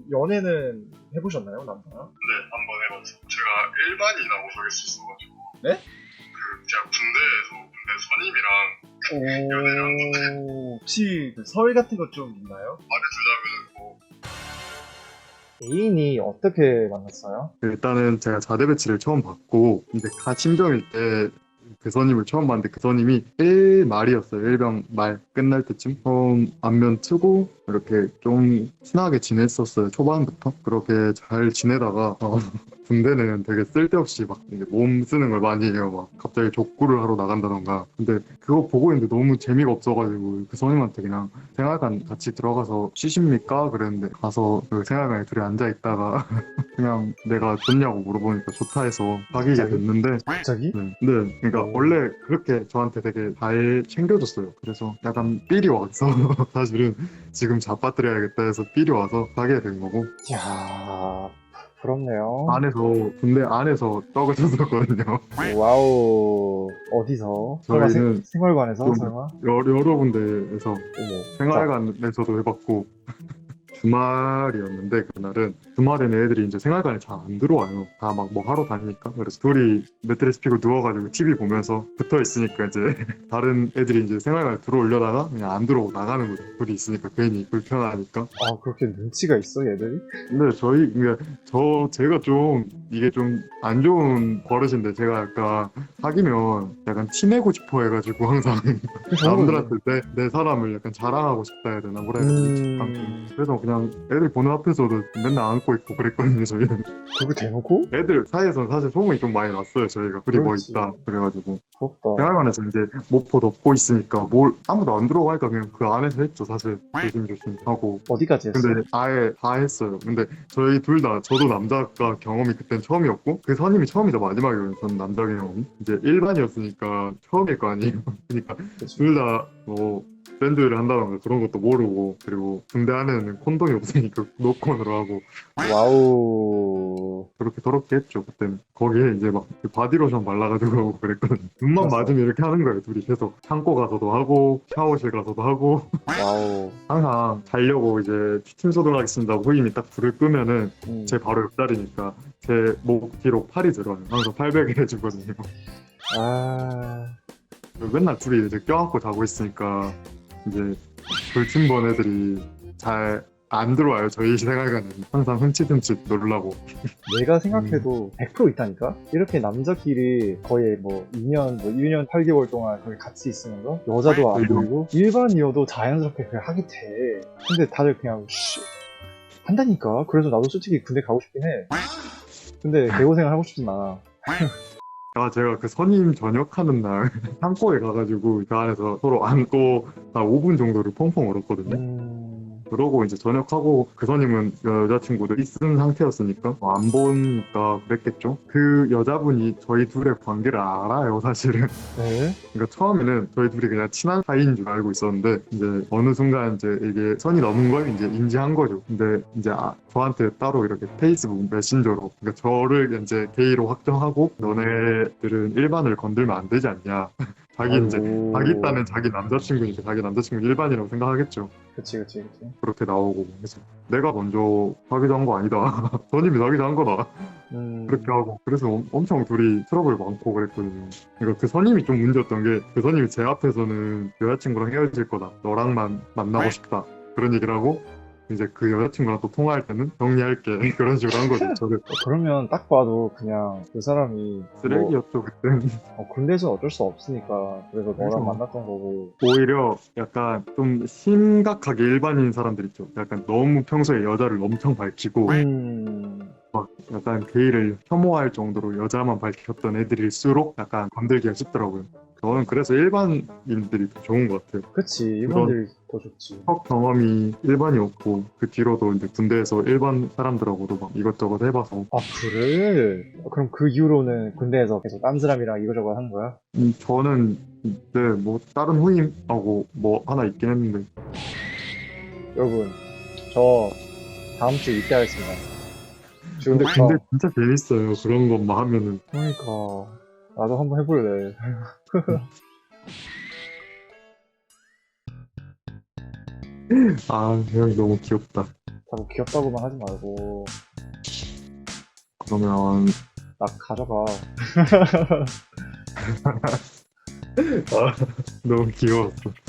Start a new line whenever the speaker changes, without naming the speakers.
연애는 해보셨나요, 남자랑?
네, 한번 해봤죠. 제가 일반이라고 소개할 수 있어가지고.
네?
제가 군대 선임이랑 연애를
오, 혹시 그 설 같은 것 좀 있나요?
말해주자면 뭐
애인이 어떻게 만났어요?
일단은 제가 자대 배치를 처음 받고 이제 갓 신병일 때 그 선임을 처음 봤는데 그 선임이 1말이었어요. 1병 말 끝날 때쯤 처음 안면 트고 이렇게 좀 친하게 지냈었어요. 초반부터 그렇게 잘 지내다가 군대는 되게 쓸데없이 막 이제 몸 쓰는 걸 많이 해요. 막 갑자기 족구를 하러 나간다던가. 근데 그거 보고 있는데 너무 재미가 없어가지고 그 선임한테 그냥 생활관 같이 들어가서 쉬십니까? 그랬는데 가서 그 생활관에 둘이 앉아 있다가 그냥 내가 좋냐고 물어보니까 좋다 해서 사귀게
갑자기?
됐는데
갑자기?
네, 그러니까
오.
원래 그렇게 저한테 되게 잘 챙겨줬어요. 그래서 약간 삘이 와서 사실은 지금 잡아드려야겠다 해서 삘이 와서 사귀게 된 거고
이야, 부럽네요.
안에서 군대 안에서 떡을 쳤었거든요.
와우, 어디서? 설마
저희는
생활관에서?
좀
설마?
여러 군데에서
어머,
생활관에서도 해봤고 주말이었는데 그날은 주말에는 애들이 이제 생활관에 잘 안 들어와요. 다 막 뭐 하러 다니니까. 그래서 둘이 매트리스 피고 누워가지고 TV 보면서 붙어 있으니까 이제 다른 애들이 이제 생활관에 들어오려다가 그냥 안 들어오고 나가는 거죠. 둘이 있으니까 괜히 불편하니까.
아, 그렇게 눈치가 있어, 얘들이?
근데 그러니까 제가 좀 이게 좀 안 좋은 버릇인데 제가 약간 사귀면 약간 티내고 싶어 해가지고 항상
좋은
남들한테 내 사람을 약간 자랑하고 싶다 해야 되나 뭐라 해야 되나. 그래서 그냥 애들 보는 앞에서도 맨날 안고 있고 그랬거든요, 저희는.
그거 대놓고?
애들 사이에서는 사실 소문이 좀 많이 났어요, 저희가. 둘이 뭐
그렇지.
있다. 그래가지고.
부럽다.
생활관에서 이제 모포 덮고 있으니까 뭘 아무도 안 들어가니까 그냥 그 안에서 했죠, 사실. 조심조심 하고.
어디까지 했어?
근데 아예 다 했어요. 근데 저희 둘 다, 저도 남자가 경험이 그땐 처음이었고, 그 선임이 처음이자 마지막이에요, 저는 남자 경험이. 이제 일반이었으니까 처음일 거 아니에요. 그러니까
그치.
둘 다 뭐, 밴드를 한다던가 그런 것도 모르고, 그리고 군대 안에는 콘돔이 없으니까 노콘으로 하고,
와우.
그렇게 더럽게 했죠, 그때는. 거기에 이제 막 그 바디로션 발라가지고 하고 그랬거든요. 눈만
알았어.
맞으면 이렇게 하는 거예요, 둘이 계속. 창고 가서도 하고, 샤워실 가서도 하고.
와우.
항상 자려고 이제 팀 소독하겠습니다 후임이 딱 불을 끄면은 제
음.
바로 옆자리니까 제 목 뒤로 팔이 들어요. 항상 팔베개 해주거든요.
아,
맨날 둘이 이제 껴안고 자고 있으니까 이제 돌침번 애들이 잘 안 들어와요. 저희 생활관은 항상 흠칫흠칫 놀라고.
내가 생각해도 100% 있다니까? 이렇게 남자끼리 거의 뭐 2년, 뭐 1년 8개월 동안 거기 같이 있으면서 여자도 안
그죠.
보이고 일반이어도 자연스럽게 그냥 하게 돼. 근데 다들 그냥 한다니까? 그래서 나도 솔직히 군대 가고 싶긴 해. 근데 개고생을 하고 싶진 않아.
제가 그 선임 전역하는 날 창고에 가가지고 그 안에서 서로 안고 한 5분 정도를 펑펑 울었거든요. 그러고 이제 전역하고 그 선임은 여자친구도 있은 상태였으니까 안 보니까 그랬겠죠. 그 여자분이 저희 둘의 관계를 알아요, 사실은.
네?
그러니까 처음에는 저희 둘이 그냥 친한 사이인 줄 알고 있었는데 이제 어느 순간 이제 이게 선이 넘은 걸 이제 인지한 거죠. 근데 이제 저한테 따로 이렇게 페이스북 메신저로 그러니까 저를 이제 게이로 확정하고 너네들은 일반을 건들면 안 되지 않냐. 자기 딴엔 자기 남자친구니까 자기 남자친구 일반이라고 생각하겠죠.
그치.
그렇게 나오고 해서 내가 먼저 사귀자는 거 아니다. 선임이 사귀자는 거다. 그렇게 하고 그래서 엄청 둘이 트러블 많고 그랬거든요. 그러니까 그 선임이 좀 문제였던 게 그 선임이 제 앞에서는 여자친구랑 헤어질 거다. 너랑만 만나고 싶다. 그런 얘기를 하고 이제 그 여자친구랑 또 통화할 때는 정리할게. 그런 식으로 한 거죠. 저를
그러면 딱 봐도 그냥 그 사람이
쓰레기였죠 그때.
군대에서 어쩔 수 없으니까 그래서
그래서
너랑 만났던 거고.
오히려 약간 좀 심각하게 일반인 사람들 있죠. 약간 너무 평소에 여자를 엄청 밝히고 막 약간 게이를 혐오할 정도로 여자만 밝혔던 애들일수록 약간 건들기가 쉽더라고요. 저는 그래서 일반인들이 더 좋은 것 같아요.
그치, 일본들이 더 좋지.
첫 경험이 일반이었고 그 뒤로도 이제 군대에서 일반 사람들하고도 막 이것저것 해봐서
아, 그래? 그럼 그 이후로는 군대에서 계속 딴 사람이랑 이거저거 하는 거야?
저는 네, 뭐 다른 후임하고 뭐 하나 있긴 했는데
여러분, 저 다음 주에 입대하겠습니다.
근데
지금부터.
군대 진짜 재밌어요. 그런 것만 하면은
그러니까 나도 한번 해볼래.
형이 너무 귀엽다.
자꾸 귀엽다고만 하지 말고
그러면
나 가져가.
너무 귀여웠어.